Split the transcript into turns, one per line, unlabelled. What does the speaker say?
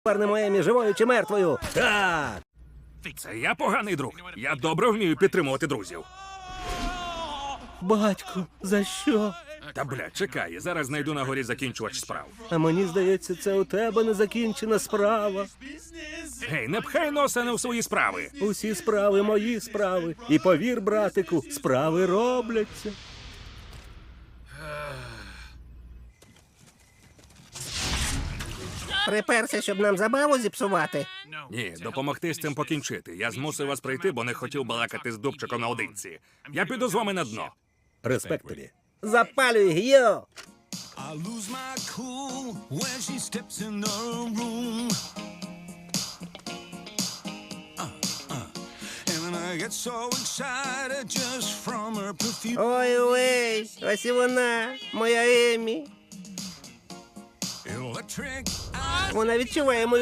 Повернемо Емі живою чи мертвою. Так!
Це я поганий друг. Я добре вмію підтримувати друзів.
Батько, за що?
Та бля, чекай, зараз знайду на горі закінчувач справ.
А мені здається, це у тебе незакінчена справа.
Гей, не пхай носа не в свої справи.
Усі справи мої справи. І повір, братику, справи робляться. Приперся, щоб нам забаву зіпсувати.
Ні, допомогти з цим покінчити. Я змусив вас прийти, бо не хотів балакати з Дубчиком наодинці. Я піду з вами на дно.
Респект тобі. Запалюй, Гіо!
I lose my cool when she steps in the room. And then I get so excited just from her perfume.
Ой-ой, ось і вона, моя Емі.
Electric
Вона відчуває мою